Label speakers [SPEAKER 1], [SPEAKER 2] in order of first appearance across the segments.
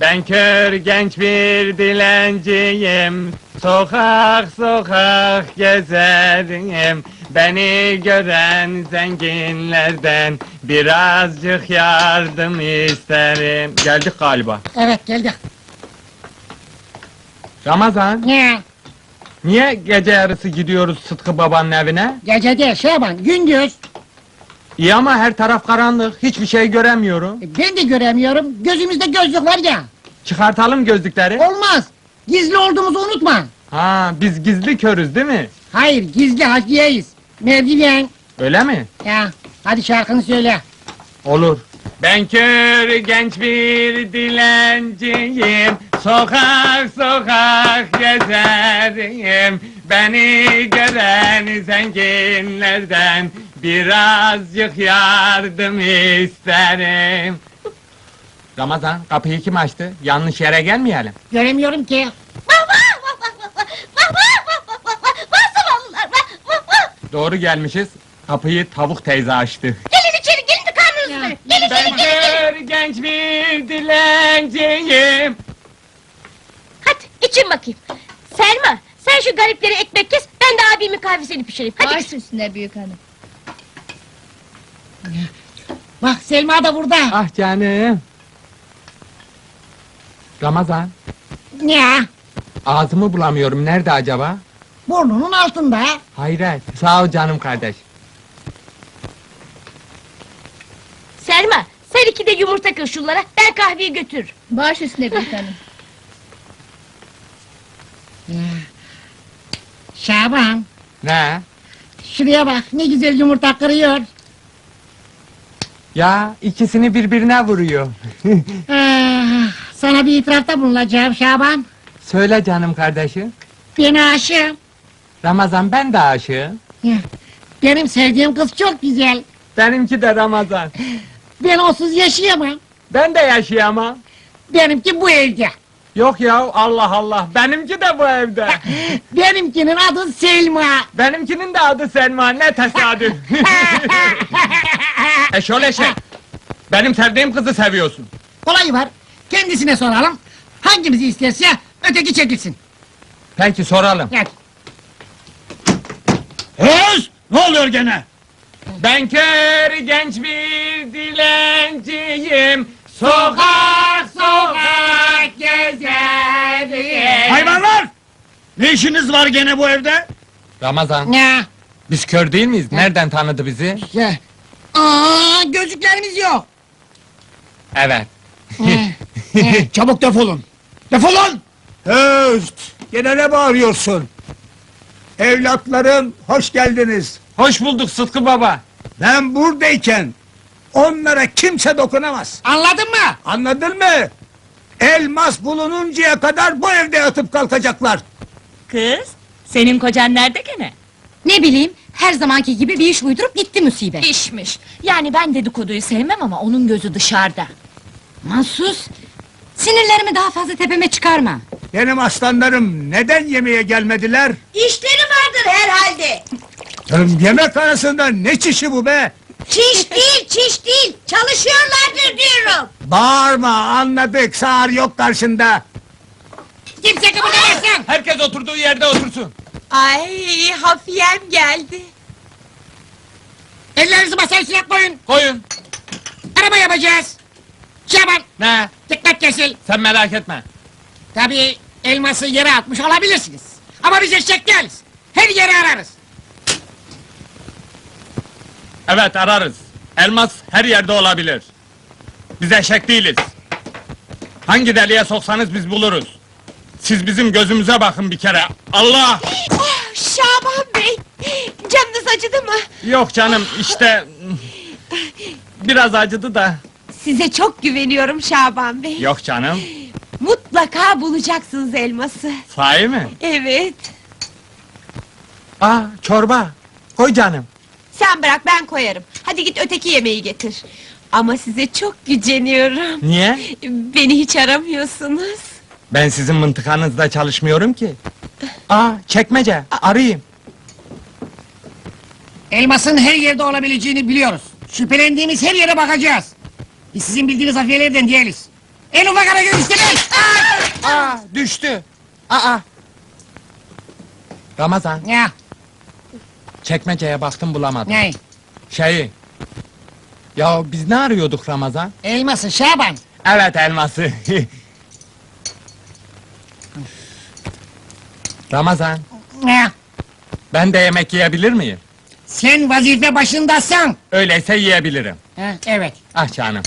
[SPEAKER 1] Ben kör genç bir dilenciyim, sokak sokak gezerim. Beni gören zenginlerden birazcık yardım isterim. Geldik galiba.
[SPEAKER 2] Evet, geldik.
[SPEAKER 1] Ramazan,
[SPEAKER 2] Ne?
[SPEAKER 1] niye gece yarısı gidiyoruz Sıtkı babanın evine?
[SPEAKER 2] Gece değil Şaban, gündüz.
[SPEAKER 1] İyi ama her taraf karanlık, hiçbir şey göremiyorum.
[SPEAKER 2] Ben de göremiyorum, gözümüzde gözlük var ya.
[SPEAKER 1] Çıkartalım gözlükleri.
[SPEAKER 2] Olmaz, gizli olduğumuzu unutma.
[SPEAKER 1] Ha, biz gizli körüz değil mi?
[SPEAKER 2] Hayır, gizli hakiyeyiz. Mevdiyen.
[SPEAKER 1] Öyle mi?
[SPEAKER 2] Ya, hadi şarkını söyle.
[SPEAKER 1] Olur. Ben kör genç bir dilenciyim, sokak sokak gezerim. Beni gören zenginlerden birazcık yardım isterim. Ramazan, kapıyı kim açtı? Yanlış yere gelmeyelim.
[SPEAKER 2] Göremiyorum ki.
[SPEAKER 1] Doğru gelmişiz. Kapıyı tavuk teyze açtı.
[SPEAKER 3] Gelin içeri, gelin de karnınızı doyurun. Gelin,
[SPEAKER 1] Ben kör genç bir dilenciyim.
[SPEAKER 3] Hadi için bakayım. Selma, sen şu garipleri ekmek kes, ben de abimin kahvesini pişireyim. Hadi.
[SPEAKER 4] Baş üstüne büyük hanım.
[SPEAKER 2] Bak Selma da burada.
[SPEAKER 1] Ah canım. Ramazan,
[SPEAKER 2] Ne?
[SPEAKER 1] ağzımı bulamıyorum. Nerede acaba?
[SPEAKER 2] Burnunun altında.
[SPEAKER 1] Hayret. Sağ ol canım kardeş.
[SPEAKER 3] Selma, sen 2 de yumurta kır şunlara, ben kahveyi götür.
[SPEAKER 4] Baş üstüne büyük hanım.
[SPEAKER 2] Şaban,
[SPEAKER 1] Ne?
[SPEAKER 2] şuraya bak, ne güzel yumurta kırıyor.
[SPEAKER 1] Ya ikisini birbirine vuruyor.
[SPEAKER 2] Sana bir itirafta bulunacağım Şaban.
[SPEAKER 1] Söyle canım kardeşim.
[SPEAKER 2] Ben aşığım.
[SPEAKER 1] Ramazan, ben de aşığım.
[SPEAKER 2] Benim sevdiğim kız çok güzel.
[SPEAKER 1] Benimki de Ramazan.
[SPEAKER 2] Ben onsuz yaşayamam.
[SPEAKER 1] Ben de yaşayamam.
[SPEAKER 2] Benimki bu evde.
[SPEAKER 1] Yok ya, Allah Allah. Benimki de bu evde.
[SPEAKER 2] Benimkinin adı Selma.
[SPEAKER 1] Benimkinin de adı Selma. Ne tesadüf. Eşol eşek. Benim sevdiğim kızı seviyorsun.
[SPEAKER 2] Kolayı var. Kendisine soralım. Hangimizi isterse öteki çekilsin.
[SPEAKER 1] Peki soralım.
[SPEAKER 2] Gel.
[SPEAKER 5] Öz! Ne oluyor gene?
[SPEAKER 1] Ben kör genç bir dilenciyim, sokak sokak gezerim.
[SPEAKER 5] Hayvanlar! Ne işiniz var gene bu evde?
[SPEAKER 1] Ramazan,
[SPEAKER 2] Ne?
[SPEAKER 1] biz kör değil miyiz? Nereden tanıdı bizi?
[SPEAKER 2] Ya. Gözlüklerimiz yok.
[SPEAKER 1] Evet.
[SPEAKER 5] Çabuk defolun! Defolun! Öz! Gene ne bağırıyorsun? Evlatlarım, hoş geldiniz.
[SPEAKER 1] Hoş bulduk Sıtkı baba.
[SPEAKER 5] Ben buradayken onlara kimse dokunamaz.
[SPEAKER 2] Anladın mı?
[SPEAKER 5] Anladın mı? Elmas bulununcaya kadar bu evde yatıp kalkacaklar.
[SPEAKER 6] Kız, senin kocan nerede gene?
[SPEAKER 4] Ne bileyim, her zamanki gibi bir iş uydurup gitti musibet.
[SPEAKER 6] İşmiş. Yani ben dedikoduyu sevmem ama onun gözü dışarıda.
[SPEAKER 4] Mansus, sinirlerimi daha fazla tepeme çıkarma.
[SPEAKER 5] Benim aslanlarım neden yemeğe gelmediler?
[SPEAKER 3] İşleri vardır herhalde.
[SPEAKER 5] Yemek arasında ne çişi bu be?
[SPEAKER 3] Çiş değil, çiş değil. Çalışıyorlardır diyorum.
[SPEAKER 5] Bağırma, anladık, sağır yok karşında.
[SPEAKER 2] Kimse kıpırdamasın.
[SPEAKER 1] Herkes oturduğu yerde otursun.
[SPEAKER 6] Ay, hafiyem geldi.
[SPEAKER 2] Ellerinizi masaya üstüne koyun.
[SPEAKER 1] Koyun.
[SPEAKER 2] Araba yapacağız. Şaban,
[SPEAKER 1] Ne?
[SPEAKER 2] dikkat kesil.
[SPEAKER 1] Sen merak etme.
[SPEAKER 2] Tabii elması yere atmış olabilirsiniz. Ama biz eşek değiliz. Her yeri ararız.
[SPEAKER 1] Evet, ararız. Elmas her yerde olabilir. Biz eşek değiliz. Hangi deliğe soksanız biz buluruz. Siz bizim gözümüze bakın bir kere. Allah!
[SPEAKER 3] Şaban Bey, canınız acıdı mı?
[SPEAKER 1] Yok canım, işte... Biraz acıdı da.
[SPEAKER 3] Size çok güveniyorum Şaban Bey.
[SPEAKER 1] Yok canım.
[SPEAKER 3] Mutlaka bulacaksınız elması.
[SPEAKER 1] Sahi mi?
[SPEAKER 3] Evet.
[SPEAKER 1] Aa, çorba. Koy canım.
[SPEAKER 3] Sen bırak, ben koyarım. Hadi git öteki yemeği getir. Ama size çok güceniyorum.
[SPEAKER 1] Niye?
[SPEAKER 3] Beni hiç aramıyorsunuz.
[SPEAKER 1] Ben sizin mıntıkanızda çalışmıyorum ki. Aa, çekmece. Arayayım.
[SPEAKER 2] Elmasın her yerde olabileceğini biliyoruz. Şüphelendiğimiz her yere bakacağız. Biz sizin bildiğiniz hafiyelerden değiliz. En ufak hareket istemem.
[SPEAKER 1] düştü. Aa. Ramazan,
[SPEAKER 2] Ya,
[SPEAKER 1] çekmeceye baktım bulamadım.
[SPEAKER 2] ne?
[SPEAKER 1] Şeyi. Ya biz ne arıyorduk Ramazan?
[SPEAKER 2] Elması Şaban.
[SPEAKER 1] Evet, elması. Ramazan,
[SPEAKER 2] Ya,
[SPEAKER 1] ben de yemek yiyebilir miyim?
[SPEAKER 2] sen vazife başındasın.
[SPEAKER 1] Öyleyse yiyebilirim.
[SPEAKER 2] Ha, evet.
[SPEAKER 1] Ah canım.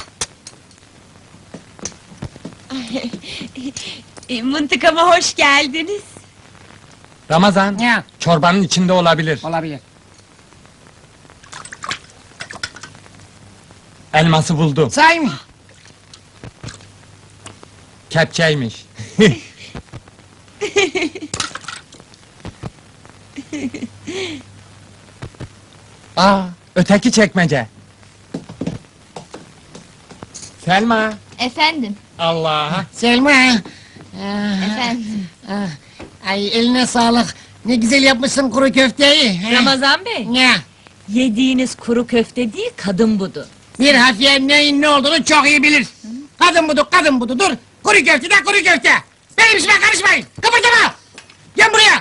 [SPEAKER 6] Mıntıkama hoş geldiniz.
[SPEAKER 1] Ramazan,
[SPEAKER 2] Ya,
[SPEAKER 1] çorbanın içinde olabilir.
[SPEAKER 2] olabilir.
[SPEAKER 1] Elması buldum.
[SPEAKER 2] Say mı?
[SPEAKER 1] Kepçeymiş. Aa, öteki çekmece. Selma.
[SPEAKER 6] Efendim,
[SPEAKER 1] Allah.
[SPEAKER 2] Selma.
[SPEAKER 6] efendim.
[SPEAKER 2] Ay eline sağlık. Ne güzel yapmışsın kuru köfteyi. Ha.
[SPEAKER 6] Ramazan Bey,
[SPEAKER 2] Ya,
[SPEAKER 6] yediğiniz kuru köfte değil, kadın budu.
[SPEAKER 2] bir hafiye neyin ne olduğunu çok iyi bilir. Kadın budu, kadın budu. Dur. Kuru köfte de kuru köfte. Benim işime karışmayın. Kıpırdama. Gel buraya.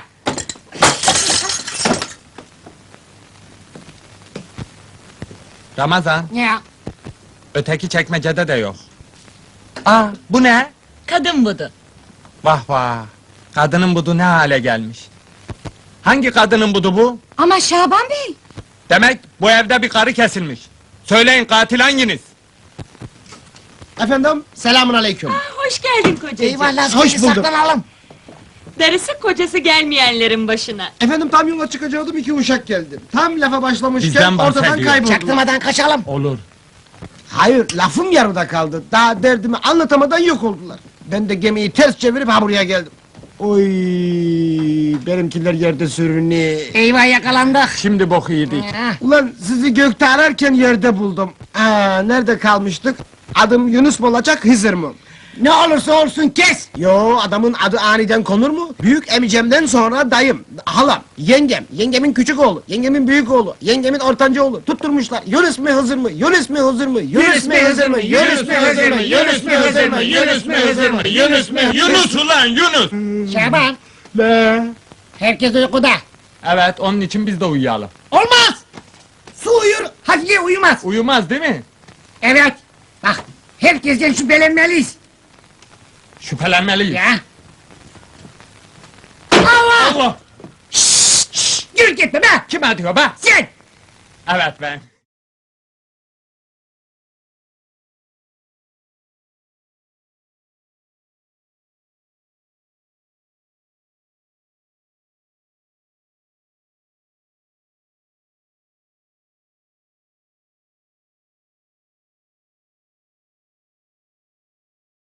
[SPEAKER 1] Ramazan,
[SPEAKER 2] Ya,
[SPEAKER 1] öteki çekmecede de yok. Aa, bu ne?
[SPEAKER 6] Kadın budu.
[SPEAKER 1] Vah vah. Kadının budu ne hale gelmiş. Hangi kadının budu bu?
[SPEAKER 4] Ama Şaban Bey.
[SPEAKER 1] Demek bu evde bir karı kesilmiş. Söyleyin, katil hanginiz?
[SPEAKER 7] Efendim, selamun aleyküm.
[SPEAKER 6] Hoş geldin kocacığım.
[SPEAKER 2] eyvallah.
[SPEAKER 7] Hoş
[SPEAKER 2] seni
[SPEAKER 7] bulduk.
[SPEAKER 2] Saklanalım.
[SPEAKER 6] Darısı kocası gelmeyenlerin başına.
[SPEAKER 7] Efendim tam yola çıkacaktım, iki uşak geldi. Tam lafa başlamışken
[SPEAKER 1] Bizden
[SPEAKER 7] ortadan
[SPEAKER 1] bahsediyor.
[SPEAKER 7] kayboldular.
[SPEAKER 2] Çaktırmadan kaçalım.
[SPEAKER 1] Olur.
[SPEAKER 7] Hayır, lafım yarıda kaldı. Daha derdimi anlatamadan yok oldular. Ben de gemiyi ters çevirip ha buraya geldim. Oy, benimkiler yerde sürünüyor.
[SPEAKER 2] Eyvah yakalandık.
[SPEAKER 1] Şimdi boku yedik.
[SPEAKER 2] Ha,
[SPEAKER 7] Ulan sizi gökte ararken yerde buldum. Nerede kalmıştık? Adım Yunus mu olacak, Hızır mı?
[SPEAKER 2] ne olursa olsun kes.
[SPEAKER 7] Yo, adamın adı aniden konur mu? Büyük emicemden sonra dayım, halam, yengem, yengemin küçük oğlu, yengemin büyük oğlu, yengemin ortanca oğlu. Tutturmuşlar. Yunus mu Hızır mı? Yunus mu Hızır mı? Yunus mu Hızır mı? Yunus mu Hızır mı? Yunus mu Hızır mı? Yunus mu Hızır mı?
[SPEAKER 1] Yunus mu? Yunus ulan Yunus!
[SPEAKER 2] Şaban,
[SPEAKER 7] Ne?
[SPEAKER 2] herkes uykuda.
[SPEAKER 1] Evet, onun için biz de uyuyalım.
[SPEAKER 2] Olmaz. Su uyur, Hafiye uyumaz.
[SPEAKER 1] Uyumaz değil mi?
[SPEAKER 2] Evet. Bak, herkesten şüphelenmeliyiz.
[SPEAKER 1] Şüphelenmeliyiz.
[SPEAKER 2] Ya. Allah!
[SPEAKER 1] Allah!
[SPEAKER 2] Yürü gitme be!
[SPEAKER 1] Kim atıyor be?
[SPEAKER 2] Sen!
[SPEAKER 1] Evet ben.